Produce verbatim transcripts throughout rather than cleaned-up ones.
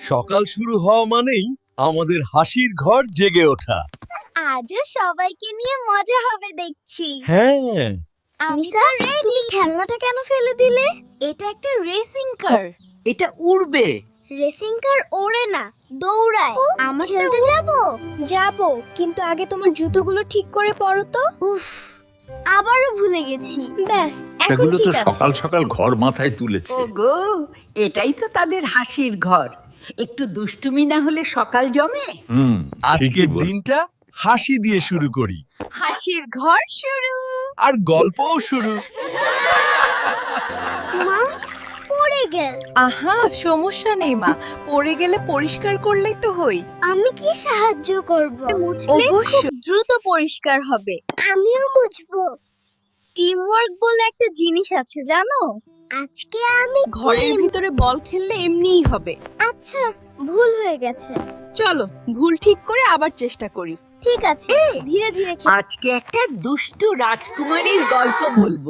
সকাল শুরু হওয়া মানেই আমাদের হাসির ঘর জেগে ওঠা। আজও সবাইকে নিয়ে মজা হবে দেখছি। হ্যাঁ, আমি তো রেডি। খেলনাটা কেন ফেলে দিলে? এটা একটা রেসিং কার। এটা উড়বে। রেসিং কার ওড়ে না, দৌড়ায়। আমরা খেলতে যাব? যাব, কিন্তু আগে তোমার জুতোগুলো ঠিক করে পরো তো। উফ, আবারও ভুলে গেছি। ব্যাস, এখন এগুলো তো ঠিক আছে। সকাল সকাল ঘর মাথায় তুলেছে। ওগো, এটাই তো তাদের হাসির ঘর। একটু দুষ্টুমি না হলে সকাল জমে। হুম, আজকের ঠিকই বল। দিনটা হাসি দিয়ে শুরু করি, হাসির ঘর শুরু। আর গল্পও শুরু। মা, পড়ে গেল। আহা, সমস্যা নেই মা, পড়ে গেলে পরিষ্কার করলেই তো হই। আমি কি সাহায্য করব? মুছলে খুব অবশ্যই। দ্রুত পরিষ্কার হবে। আমিও মুছবো। টিম ওয়ার্ক বলে একটা জিনিস আছে জানো? আজকে আমি ঘরের team- ভিতরে বল খেললে এমনিই হবে। আচ্ছা, ভুল হয়ে গেছে। চলো ভুল ঠিক করে আবার চেষ্টা করি। ঠিক আছে, ধীরে ধীরে খেল। আজকে একটা দুষ্টু রাজকুমারীর গল্প বলবো,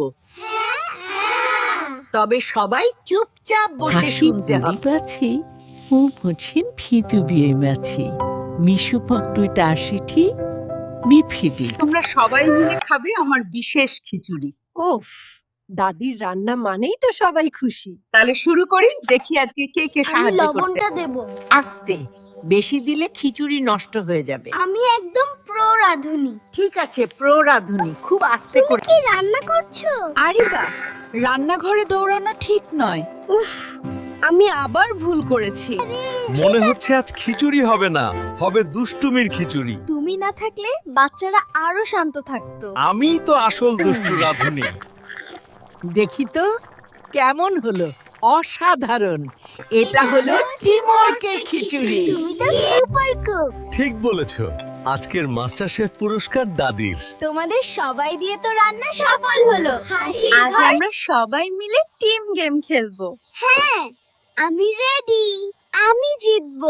তবে সবাই চুপচাপ বসে শুনতে হবে। 마치 우무친 피두비의 마치 미슈팍두이다 아시티 미피디 তোমরা সবাই মিলে খাবে আমার বিশেষ খিচুড়ি। ওফ, দাদির রান্না মানেই তো সবাই খুশি। তাহলে শুরু করি, দেখি আজকে কে কে আমি সাহায্য করতে। লবণটা দেব। আস্তে, বেশি দিলে খিচুড়ি নষ্ট হয়ে যাবে। আমি একদম প্রো রাঁধুনি। ঠিক আছে, প্রো রাঁধুনি, খুব আস্তে তুমি করে। কি রান্না করছো? আরে বা, রান্নাঘরে দৌড়ানো ঠিক নয়। উফ, আমি আবার ভুল করেছি। মনে হচ্ছে আজ খিচুড়ি হবে না, হবে দুষ্টুমির খিচুড়ি। তুমি না থাকলে বাচ্চারা আরো শান্ত থাকতো। আমিই তো আসল দুষ্টু রাঁধুনি। দেখি তো কেমন হলো। অসাধারণ, এটা হলো টিমওয়ার্কের খিচুড়ি। তুমি তো সুপার কুক। ঠিক বলেছো, আজকের মাস্টার শেফ পুরস্কার দাদির। তোমাদের সবাই দিয়ে তো রান্না সফল হলো। হাসি আজ আমরা সবাই মিলে টিম গেম খেলবো। হ্যাঁ, আমি রেডি। আমি জিতবো।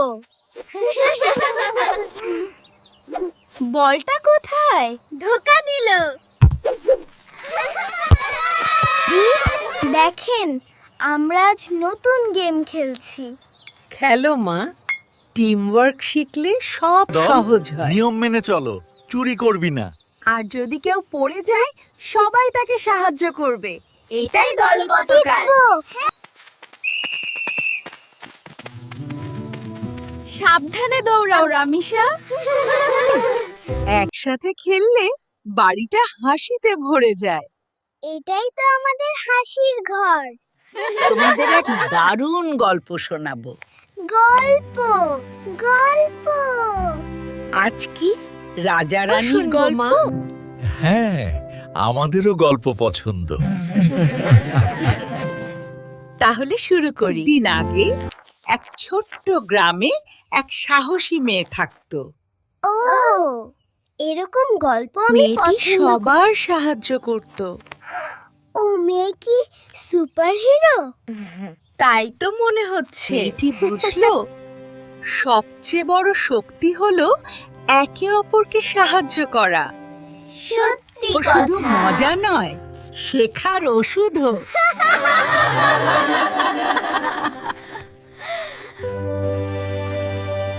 বলটা কোথায়? ধোকা দিল। দেখেন, আমরা আজ নতুন গেম খেলছি। খেলো মা, টিমওয়ার্ক শিখলে সব সহজ হয়। নিয়ম মেনে চলো, চুরি করবি না। আর যদি কেউ পড়ে যায়, সবাই তাকে সাহায্য করবে। এটাই দলগত কাজ। সাবধানে দৌড়াও রামিসা। একসাথে খেললে বাড়িটা হাসিতে ভরে যায়। এটাই তো আমাদের হাসির ঘর। তোমাদের এক দারুণ গল্প শোনাবো। গল্প, গল্প। আজ কি রাজা রানীর শুনবো, গল্প? মা। হ্যাঁ, আমাদেরও গল্প পছন্দ। তাহলে শুরু করি। দিন আগে এক ছোট্ট গ্রামে এক সাহসী মেয়ে থাকতো। ও, এরকম গল্প আমি মেয়েটি পছন্দ করি। সবার সাহায্য করত। ও মেয়ে কি সুপার হিরো? তাই তো মনে হচ্ছে। মেয়েটি বুঝলো সবচেয়ে বড় শক্তি হলো একে অপরকে সাহায্য করা। সত্যি ও শুধু মজা নয়, শেখার ওষুধও।